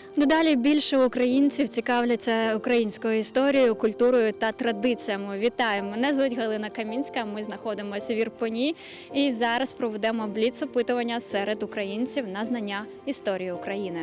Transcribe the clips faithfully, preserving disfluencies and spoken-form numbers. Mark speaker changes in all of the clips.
Speaker 1: Дедалі більше українців цікавляться українською історією, культурою та традиціями. Вітаю! Мене звуть Галина Камінська, ми знаходимося в Ірпені і зараз проведемо бліц-опитування серед українців на знання історії України.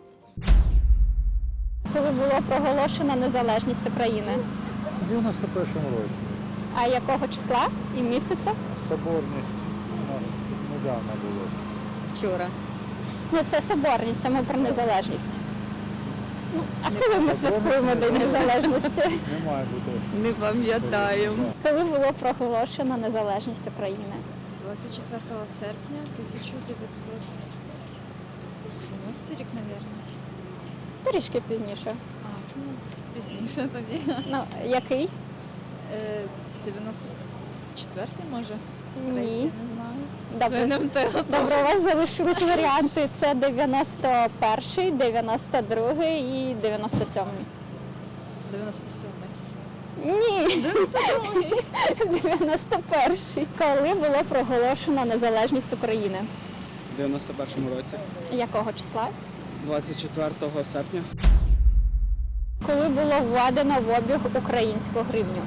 Speaker 1: Коли було проголошено незалежність України?
Speaker 2: У дев'яносто першому році.
Speaker 1: А якого числа і місяця?
Speaker 2: Соборність у нас недавно було.
Speaker 1: Вчора. Ну це соборність, а ми про незалежність. Ну, а коли ми святкуємо День Незалежності?
Speaker 2: Не має бути.
Speaker 3: Не пам'ятаємо.
Speaker 1: Коли було проголошено незалежність України?
Speaker 4: двадцять четвертого серпня тисяча дев'ятсот дев'яностий рік, мабуть.
Speaker 1: Трішки пізніше.
Speaker 4: А, ну, пізніше тоді.
Speaker 1: Ну, який?
Speaker 4: Е, дев'яносто четвертий, може?
Speaker 1: Ні.
Speaker 4: Третій, не знаю.
Speaker 1: Добре.
Speaker 4: Не втегла.
Speaker 1: Добре, у вас залишились варіанти. Це дев'яносто перший, дев'яносто другий і дев'яносто сьомий.
Speaker 4: дев'яносто сьомий.
Speaker 1: Ні,
Speaker 4: дев'яносто другий.
Speaker 1: дев'яносто перший. Коли було проголошено незалежність України?
Speaker 5: В дев'яносто першому році,
Speaker 1: Якого числа?
Speaker 5: двадцять четвертого серпня.
Speaker 1: Коли було введено в обіг українську гривню?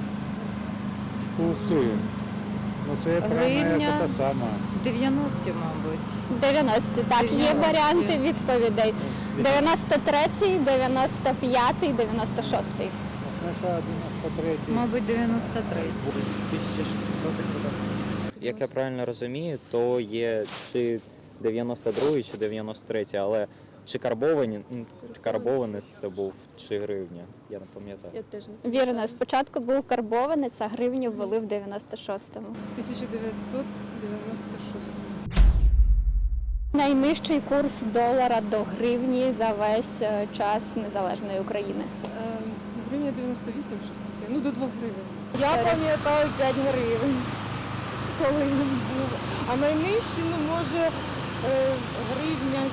Speaker 2: Ух ти. Ну це прямо
Speaker 3: Гривня.
Speaker 2: як та сама.
Speaker 3: дев'яності, мабуть.
Speaker 1: дев'яності, так, є
Speaker 3: дев'яності.
Speaker 1: варіанти відповідей. дев'яносто третій, дев'яносто п'ятий, дев'яносто шостий.
Speaker 2: Спочатку дев'яносто третій.
Speaker 3: Мабуть, дев'яносто третій.
Speaker 5: В тисяча шістсотих роках.
Speaker 6: Як я правильно розумію, то є чи дев'яносто другий, чи дев'яносто третій, але чи карбовані, м, карбованець це був, чи гривня, я не пам'ятаю.
Speaker 4: Я теж не
Speaker 1: Вірно, спочатку був карбованець, а гривню ввели в дев'яносто шостому.
Speaker 4: тисяча дев'ятсот дев'яносто шостий.
Speaker 1: Найнижчий курс долара до гривні за весь е, час незалежної України.
Speaker 4: Е, гривня дев'яносто вісім, щось таке. Ну, до двох гривень.
Speaker 3: Я пам'ятаю п'ять гривень. Коли він був. А найнижчий, ну, може, е, гривня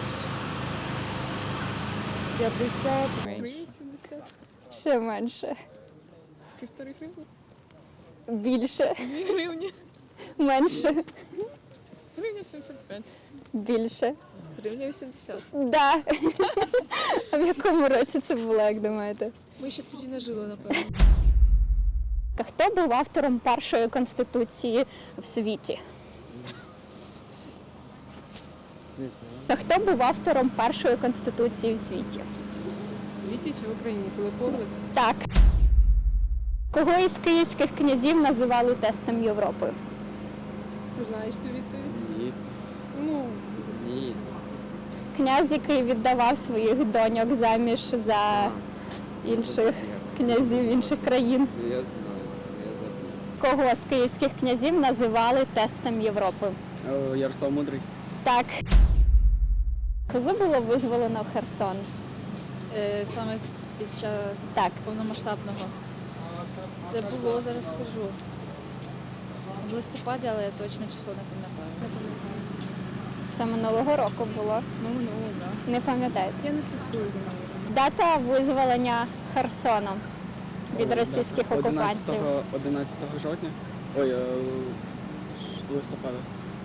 Speaker 3: п'ятдесят.
Speaker 6: Менше.
Speaker 4: сімдесят.
Speaker 1: Ще менше.
Speaker 4: Півтори гривні.
Speaker 1: Більше.
Speaker 4: Дві гривні.
Speaker 1: Менше.
Speaker 4: Гривня сімдесят п'ять.
Speaker 1: Більше.
Speaker 4: Гривня вісімдесят.
Speaker 1: Да. А в якому році це було, як думаєте?
Speaker 4: Ми ще тоді не жили, напевно.
Speaker 1: А хто був автором першої конституції в світі? А хто був автором першої конституції в світі?
Speaker 4: В світі чи в Україні? Коли погляд?
Speaker 1: Так. Кого із київських князів називали тестом Європи?
Speaker 4: Ти знаєш цю відповідь?
Speaker 5: Ні.
Speaker 4: Ну,
Speaker 5: Ні.
Speaker 1: Князь, який віддавав своїх доньок заміж за інших князів інших країн.
Speaker 5: Я знаю, я забув.
Speaker 1: Кого з київських князів називали тестом Європи?
Speaker 5: Ярослав Мудрий.
Speaker 1: Так. Коли було визволено Херсон?
Speaker 4: е, саме під час
Speaker 1: Так.
Speaker 4: повномасштабного. Це було, зараз скажу, в листопаді, але я точне число не пам'ятаю.
Speaker 1: Це минулого року було.
Speaker 4: Ну, ну, так.
Speaker 1: Не пам'ятаєте?
Speaker 4: Я не слідкую за нею.
Speaker 1: Дата визволення Херсону від російських окупантів.
Speaker 5: одинадцятого жовтня. Ой, е, ш- листопада.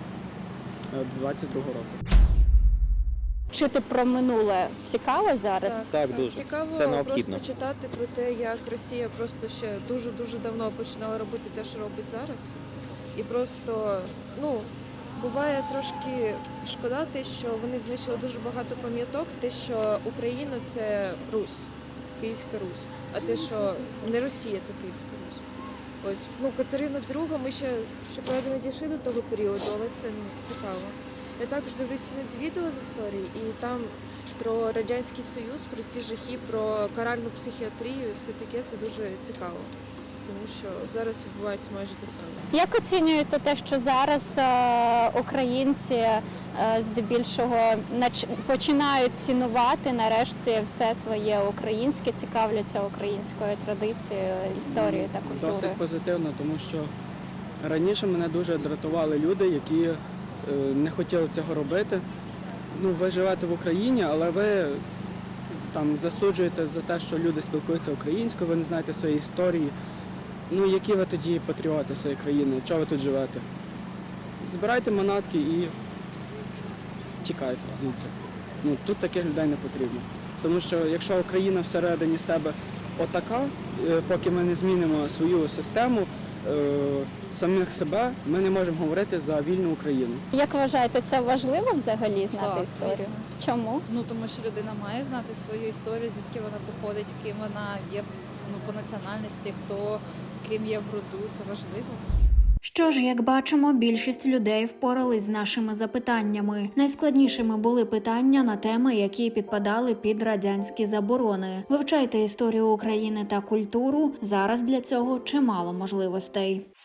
Speaker 5: Е, двадцять другого року.
Speaker 1: Вчити про минуле цікаво зараз?
Speaker 6: Так, дуже.
Speaker 7: Цікаво
Speaker 6: Це необхідно.
Speaker 7: просто читати про те, як Росія просто ще дуже-дуже давно починала робити те, що робить зараз. І просто, ну, буває трошки шкода те, що вони знищили дуже багато пам'яток, те, що Україна – це Русь, Київська Русь, а те, що не Росія – це Київська Русь. Ось, ну, Катерина друга, ми ще, щоправда, не дійшли до того періоду, але це ну, цікаво. Я також дивлюся іноді відео з історії, і там про Радянський Союз, про ці жахи, про каральну психіатрію і все таке, це дуже цікаво. Тому що зараз відбувається майже те саме.
Speaker 1: Як оцінюєте те, що зараз е, українці е, здебільшого нач- починають цінувати нарешті все своє українське, цікавляться українською традицією, історією та культурою?
Speaker 5: Досить позитивно, тому що раніше мене дуже дратували люди, які е, не хотіли цього робити. Ну, ви живете в Україні, але ви там засуджуєте за те, що люди спілкуються українською, ви не знаєте своєї історії. Ну, які ви тоді патріоти своєї країни? Чого ви тут живете? Збирайте манатки і тікайте звідси. Ну, тут таких людей не потрібно. Тому що якщо Україна всередині себе отака, е, поки ми не змінимо свою систему, е, самих себе, ми не можемо говорити за вільну Україну.
Speaker 1: Як вважаєте, це важливо взагалі знати
Speaker 4: Так,
Speaker 1: історію?
Speaker 4: звісно.
Speaker 1: Чому?
Speaker 4: Ну тому що людина має знати свою історію, звідки вона походить, ким вона є, ну, по національності, хто ким є в роду. Це важливо.
Speaker 1: Що ж, як бачимо, більшість людей впорались з нашими запитаннями. Найскладнішими були питання на теми, які підпадали під радянські заборони. Вивчайте історію України та культуру. Зараз для цього чимало можливостей.